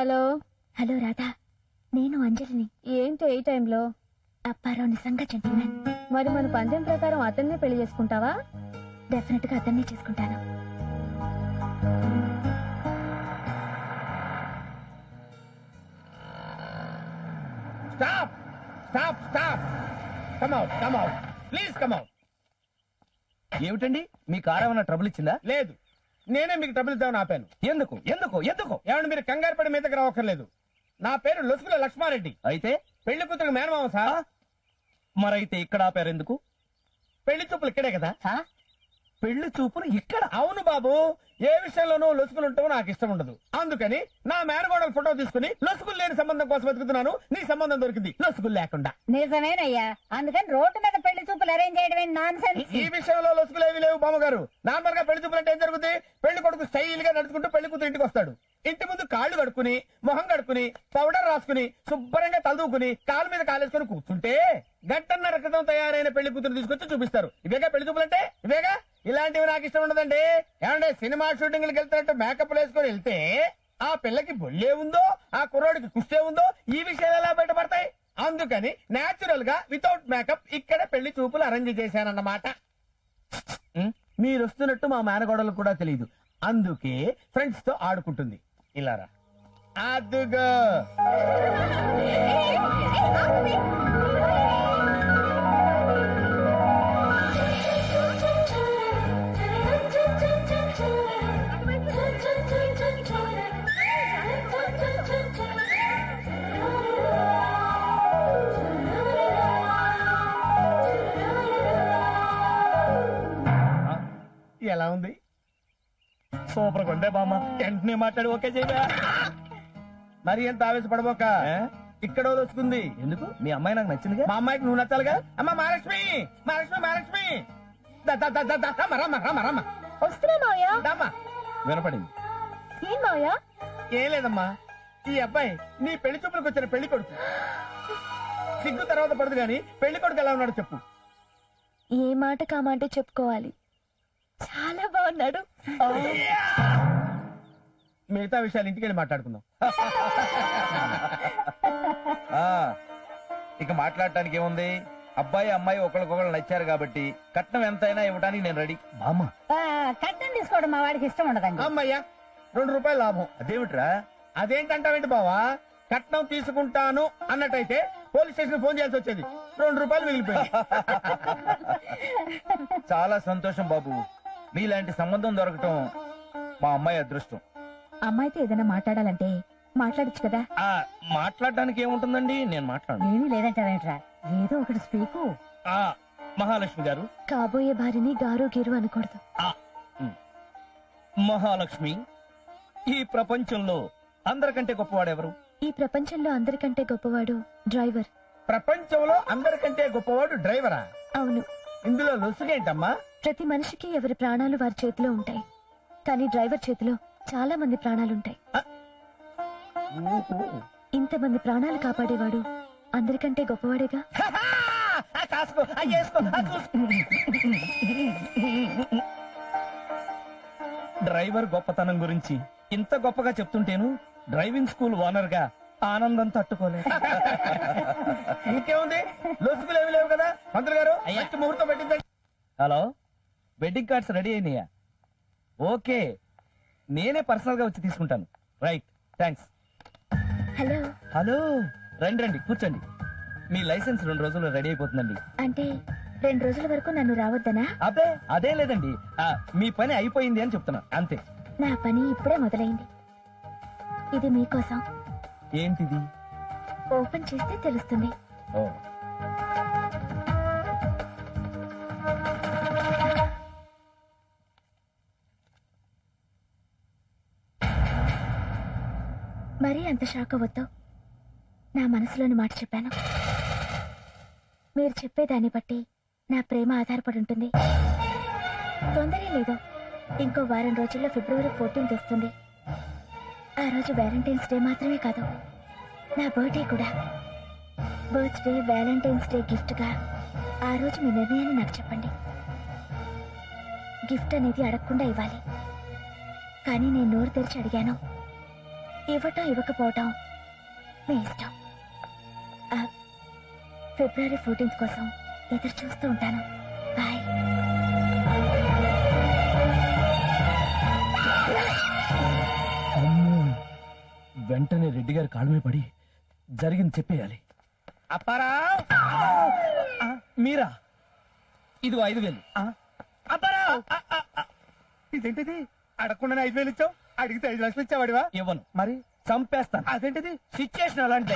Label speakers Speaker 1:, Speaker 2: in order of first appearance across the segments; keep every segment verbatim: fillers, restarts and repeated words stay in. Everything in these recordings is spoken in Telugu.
Speaker 1: హలో
Speaker 2: హలో రాధా, నేను అంజలిని.
Speaker 1: ఏంటి ఈ టైంలో?
Speaker 2: అప్పారావు నిజంగా జెంటిల్మెన్.
Speaker 1: మరి మన పందెం ప్రకారం అతన్నే పెళ్లి చేసుకుంటావా?
Speaker 2: డెఫినెట్ గా అతన్నే చేసుకుంటాను.
Speaker 3: Stop stop stop come out come out please come out.
Speaker 4: ఏమిటండి మీ కారు ఏమైనా ట్రబుల్ ఇచ్చిందా?
Speaker 3: లేదు, నేనే మీకు ట్రబుల్ ఇద్దామని ఆపాను.
Speaker 4: ఎందుకు ఎందుకు ఎందుకు?
Speaker 3: ఏమంటే మీరు కంగారు పడి మీ దగ్గర రావక్కర్లేదు. నా పేరు లొసుగుల లక్ష్మారెడ్డి.
Speaker 4: అయితే
Speaker 3: పెళ్లి కూతురు మేనమామ సార్.
Speaker 4: మరైతే ఇక్కడ ఆపారు ఎందుకు?
Speaker 3: పెళ్లి చూపులు ఇక్కడే కదా.
Speaker 4: పెళ్లి చూపులు ఇక్కడ?
Speaker 3: అవును బాబు, ఏ విషయంలోనూ లొసుగులు ఉంటావో నాకు ఇష్టం ఉండదు. అందుకని నా మేనగోడల ఫోటో తీసుకుని లొసుగులు లేని సంబంధం కోసం వెతుకుతున్నాను. నీ సంబంధం దొరికింది లొసుగులు లేకుండా.
Speaker 5: నిజమేనయ్యా, అందుకని రోడ్డు మీద పెళ్లి చూపులు అరేంజ్ చేయడం నాన్ సెన్స్.
Speaker 3: ఈ విషయంలో లొసుగులు ఏవి లేవు బామ్మగారు. నార్మల్ గా పెళ్లి చూపులు అంటే ఏం జరుగుతుంది? పెళ్లి కొడుకు స్టైల్ గా నడుచుకుంటూ పెళ్లి కూతురు ఇంటికి వస్తాడు. ఇంటి ముందు కాళ్ళు కడుక్కుని మొహం కడుక్కుని పౌడర్ రాసుకుని శుభ్రంగా తలదూకుని కాలు మీద కాలేసుకుని కూర్చుంటే గంటన్నర క్రితం తయారైన పెళ్లి కూతురు తీసుకొచ్చి చూపిస్తారు. ఇవేగా పెళ్లి చూపులు అంటే, ఇవేగా. ఇలాంటివి నాకు ఇష్టం ఉండదండి. ఏమంటే సినిమా షూటింగ్లకు వెళ్తున్నట్టు మేకప్ వేసుకొని వెళ్తే ఆ పిల్లకి బొల్లే ఉందో ఆ కుర్రోడికి కుష్టే ఉందో ఈ విషయాలు ఎలా బయటపడతాయి? అందుకని నేచురల్ గా వితౌట్ మేకప్ ఇక్కడ పెళ్లి చూపులు అరేంజ్ చేశానన్నమాట. మీరు వస్తున్నట్టు మా మేనగోడలకు కూడా తెలియదు. అందుకే ఫ్రెండ్స్ తో ఆడుకుంటుంది. ఇలారా అదుగో. ఎలా ఉంది?
Speaker 4: సూపర్ కొండే బామ్మ. వెంటనే మాట్లాడి ఓకే చేయగా.
Speaker 3: మరి ఎంత ఆవేశపడబోక. ఇక్కడ వస్తుంది.
Speaker 4: ఎందుకు? మీ అమ్మాయి నాకు నచ్చిందిగా.
Speaker 3: మా అమ్మాయికి నువ్వు నచ్చాలిగా. అమ్మ మహాలక్ష్మి మహాలక్ష్మి మహాలక్ష్మి ద, ద, ద, ద, ద, రమ్మ, రమ్మ, రమ్మ, రమ్మ.
Speaker 2: వస్తున్నా మావయ్య.
Speaker 3: దమ్మా.
Speaker 4: వినపడింది.
Speaker 2: ఏం మావయ్య?
Speaker 3: ఏం లేదమ్మా, ఈ అబ్బాయి నీ పెళ్లి చూపులకు వచ్చిన పెళ్లి కొడుకు. సిగ్గు తర్వాత పడదు గాని పెళ్లి కొడుకు ఎలా ఉన్నాడు చెప్పు.
Speaker 2: ఏ మాట కామంటే చెప్పుకోవాలి. చాలా బాగున్నాడు.
Speaker 3: మిగతా విషయాలు ఇంటికి వెళ్ళి మాట్లాడుకుందాం.
Speaker 4: ఆ, ఇక మాట్లాడటానికి ఏముంది? అబ్బాయి అమ్మాయి ఒకరికొకరు నచ్చారు కాబట్టి కట్నం ఎంతైనా ఇవ్వడానికి నేను రెడీ. బామ్మ,
Speaker 5: కట్టం తీసుకోవడం మా వాడికి ఇష్టం ఉండదండి.
Speaker 3: అమ్మయ్యా, రెండు రూపాయలు లాభం.
Speaker 4: అదేమిట్రా?
Speaker 3: అదేంటంటావేంటి బావా? కట్నం తీసుకుంటాను అన్నట్టయితే పోలీస్ స్టేషన్ ఫోన్ చేయాల్సి వచ్చేది. రెండు రూపాయలు మిగిలిపోయింది.
Speaker 4: చాలా సంతోషం బాబు. మీలాంటి సంబంధం దొరకటం మా అమ్మాయి అదృష్టం.
Speaker 2: అమ్మాయితో ఏదైనా మాట్లాడాలంటే మాట్లాడచ్చు కదా.
Speaker 4: ఆ మాట్లాడడానికి ఏముంటుందండి, నేను మాట్లాడు.
Speaker 5: ఏమీ లేదంటావేంట్రా, ఏదో ఒకటి స్పీకు.
Speaker 4: ఆ మహాలక్ష్మి గారు.
Speaker 2: కాబోయే భార్యని గారు గీరు అనకూడదు.
Speaker 4: ఆ ఉమ్. మహాలక్ష్మి, ఈ ప్రపంచంలో అందరికంటే గొప్పవాడెవరు?
Speaker 2: ఈ ప్రపంచంలో అందరికంటే గొప్పవాడు డ్రైవర్.
Speaker 3: ప్రపంచంలో అందరికంటే గొప్పవాడు డ్రైవరా?
Speaker 2: అవును.
Speaker 3: ఇందులో లొసుగేంటమ్మా?
Speaker 2: ప్రతి మనిషికి ఎవరి ప్రాణాలు వారి చేతిలో ఉంటాయి, కానీ డ్రైవర్ చేతిలో చాలా మంది ప్రాణాలుంటాయి. ఇంతమంది ప్రాణాలు కాపాడేవాడు అందరికంటే గొప్పవాడేగా.
Speaker 4: డ్రైవర్ గొప్పతనం గురించి ఇంత గొప్పగా చెప్తుంటేను డ్రైవింగ్ స్కూల్ ఓనర్ గా ఆనందం తట్టుకోలేదు.
Speaker 3: ఇంకేముంది, లొసుగులు ఏమి లేవు కదా. మంత్రులు గారు మంచి ముహూర్తం పెట్టిందండి.
Speaker 4: హలో, వెడ్డింగ్ కార్డ్స్ రెడీ అయినాయా? ఓకే, నేనే పర్సనల్ గా వచ్చి తీసుకుంటాను. Right, thanks.
Speaker 2: హలో.
Speaker 4: హలో, రండి రండి కూర్చోండి. మీ లైసెన్స్ రెండు రోజుల్లో రెడీ అయిపోతుందండి.
Speaker 2: అంటే రెండు రోజుల వరకు నన్ను రావద్దనా?
Speaker 4: అదే అదే లేదండి, ఆ, మీ పని అయిపోయింది అని చెప్తున్నా అంతే.
Speaker 2: నా పని ఇప్పుడే మొదలైంది. ఇది మీకోసం.
Speaker 4: ఏంటిది?
Speaker 2: ఓపెన్ చేస్తే తెలుస్తుంది.
Speaker 4: ఓ,
Speaker 2: మరీ అంత షాక్ అవ్వద్దు. నా మనసులోని మాట చెప్పాను. మీరు చెప్పేదాన్ని బట్టి నా ప్రేమ ఆధారపడి ఉంటుంది. తొందరే లేదు, ఇంకో వారం రోజుల్లో ఫిబ్రవరి ఫోర్టీన్త్ వస్తుంది. ఆ రోజు వ్యాలంటైన్స్ డే మాత్రమే కాదు, నా బర్త్డే కూడా. బర్త్డే వ్యాలంటైన్స్ డే గిఫ్ట్ గా ఆ రోజు మీ నిర్ణయాన్ని నాకు చెప్పండి. గిఫ్ట్ అనేది అడగకుండా ఇవ్వాలి, కానీ నేను నోరు తెరిచి అడిగాను. ఇవ్వటం ఇవ్వకపోవటం మీ ఇష్టం. ఆ, ఫిబ్రవరి ఫోర్టీన్త్ కోసం ఎదురు చూస్తూ ఉంటాను. బాయ్.
Speaker 3: వెంటనే రెడ్డి గారి కాళ్ళ మీద పడి జరిగింది చెప్పేయాలి. అప్పారావు, మీరా? ఇదిగో ఐదు వేలు. అప్పారావు, ఇదేంటిది? అడగకుండా ఐదు వేలు ఇచ్చావు, అడిగితే ఐదు లక్షలు ఇచ్చావాడివా? ఇవ్వను. మరి చంపేస్తాను. అదేంటిది? సిచ్యుయేషన్ అలాంటి.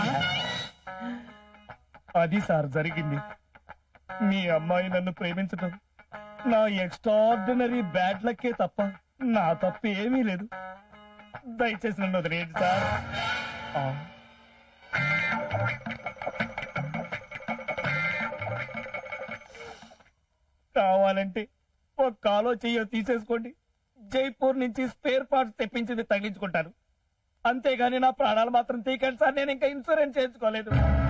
Speaker 3: అది సార్ జరిగింది. మీ అమ్మాయి నన్ను ప్రేమించటం నా ఎక్స్ట్రాడినరీ బ్యాడ్ లక్కే తప్ప నా తప్పు ఏమీ లేదు. దయచేసి నన్ను వదిలేయండి సార్. ఆ. కావాలంటే ఒక కాలో చెయ్యో తీసేసుకోండి. జైపూర్ నుంచి స్పేర్ పార్ట్స్ తెప్పించింది తగ్గించుకుంటాను. అంతేగాని నా ప్రాణాలు మాత్రం తీకండి సార్. నేను ఇంకా ఇన్సూరెన్స్ చేయించుకోలేదు.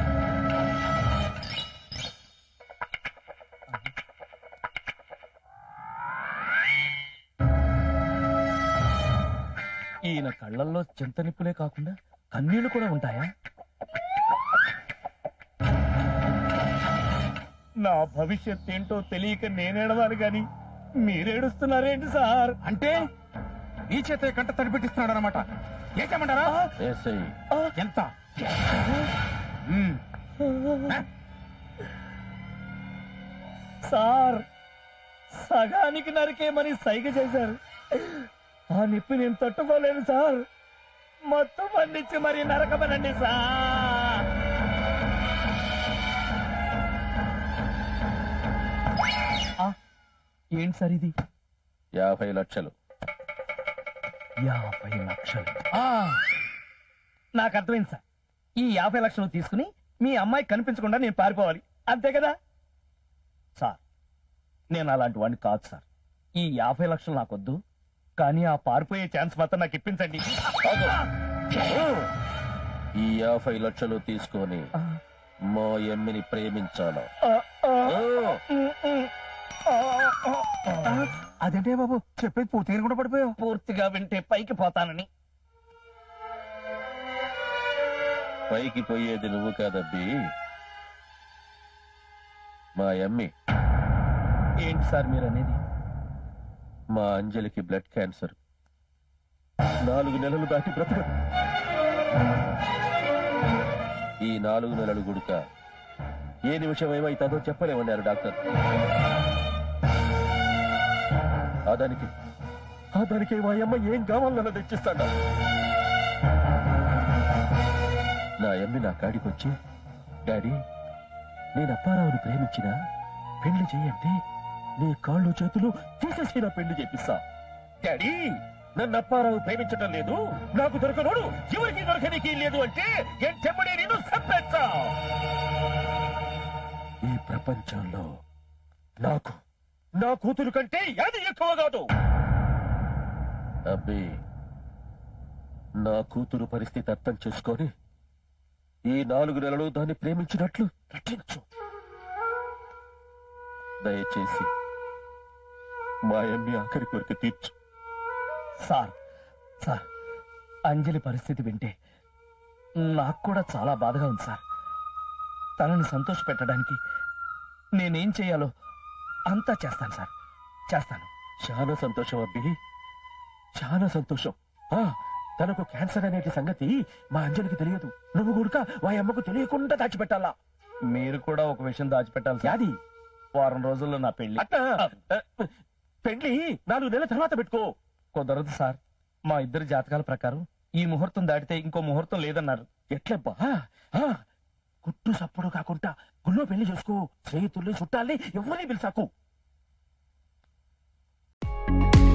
Speaker 3: ఈయన కళ్ళల్లో చింత నిప్పులే కాకుండా కన్నీళ్లు కూడా ఉంటాయా? నా భవిష్యత్ ఏంటో తెలియక నేనేడవాలి గాని మీరేడుస్తున్నారేంటి సార్? అంటే నీ చేత కంట తడిపెట్టిస్తున్నాడు అనమాట. ఏసేమంటారా? ఎంత? సార్, సగానికి నరికేమని సైగ చేశారు. ఆ నిప్పి నేను తట్టుకోలేను సార్. మొత్తం పండించి మరి నరకమనండి సార్. ఏంటి సార్ ఇది?
Speaker 4: యాభై లక్షలు.
Speaker 3: యాభై లక్షలు నాకు అర్థమైంది సార్. ఈ యాభై లక్షలు తీసుకుని మీ అమ్మాయి కనిపించకుండా నేను పారిపోవాలి, అంతే కదా సార్? నేను అలాంటి వాడిని కాదు సార్. ఈ యాభై లక్షలు నాకొద్దు, కానీ ఆ పారిపోయే ఛాన్స్ మాత్రం నాకు ఇప్పించండి.
Speaker 4: ఈ యాభై లక్షలు తీసుకొని మా ఎమ్మిని ప్రేమించాలా?
Speaker 3: అదేంటే బాబు చెప్పేది పూర్తిగా కూడా పడిపోయావు. పూర్తిగా వింటే పైకి పోతానని.
Speaker 4: పైకి పోయేది నువ్వు కాదబ్బి, మా ఎమ్మి.
Speaker 3: ఏంటి సార్ మీరు అనేది?
Speaker 4: మా అంజలికి బ్లడ్ క్యాన్సర్. నాలుగు నెలలు దాటి బ్రతకదు. ఈ నాలుగు నెలలు గుడుక ఏ నిమిషం ఏమైతుందో చెప్పలేమన్నారు డాక్టర్. అదానికి అదానికి మా అమ్మ ఏం కావాలన్నా తెచ్చిస్తాడా? నా అమ్మి నా కాడికి వచ్చి, డాడీ నేను అప్పారావుని ప్రేమించిన పెళ్లి చేయండి, నీ కాళ్ళు చేతులు తీసేసి నా పెళ్లి చేపిస్తా. డాడీ నన్ను అప్పారావు ప్రేమించటం లేదు, నాకు దొరకనోడు ఎవరికి దొరకనికి లేదు అంటే చెమ్మడే నేను సంపెచ్చా. ఈ ప్రపంచంలో నాకు నా కూతురు కంటే అది ఎక్కువ కాదు. అబ్బి నా కూతురు పరిస్థితి అర్థం చేసుకొని ఈ నాలుగు నెలలు దాన్ని ప్రేమించినట్లు నటించు. దయచేసి మా అమ్మి ఆఖరి కోరిక తీర్చు.
Speaker 3: సార్ సార్ అంజలి పరిస్థితి వింటే నాకు కూడా చాలా బాధగా ఉంది సార్. తనని సంతోష పెట్టడానికి నేనేం చేయాలో అంతా చేస్తాను సార్, చేస్తాను.
Speaker 4: చాలా సంతోషం అబ్బి, చాలా సంతోషం. ఆ తనకు క్యాన్సర్ అనేటి సంగతి మా అంజలికి తెలియదు. నువ్వు కూడా మా అమ్మకు తెలియకుండా దాచిపెట్టాలా.
Speaker 3: మీరు కూడా ఒక విషయం దాచిపెట్టాలి సార్.
Speaker 4: అది
Speaker 3: వారం రోజుల్లో నా పెళ్లి.
Speaker 4: పెళ్లి నాలుగు నెలల తర్వాత పెట్టుకో.
Speaker 3: కుదరదు సార్. మా ఇద్దరి జాతకాల ప్రకారం ఈ ముహూర్తం దాటితే ఇంకో ముహూర్తం లేదన్నారు.
Speaker 4: ఎట్లబ్బా? కుట్టు సప్పుడు కాకుండా గుళ్ళో పెళ్లి చేసుకో. స్నేహితుల్ని చుట్టాల్ని ఎవరిని పిలిచాకు.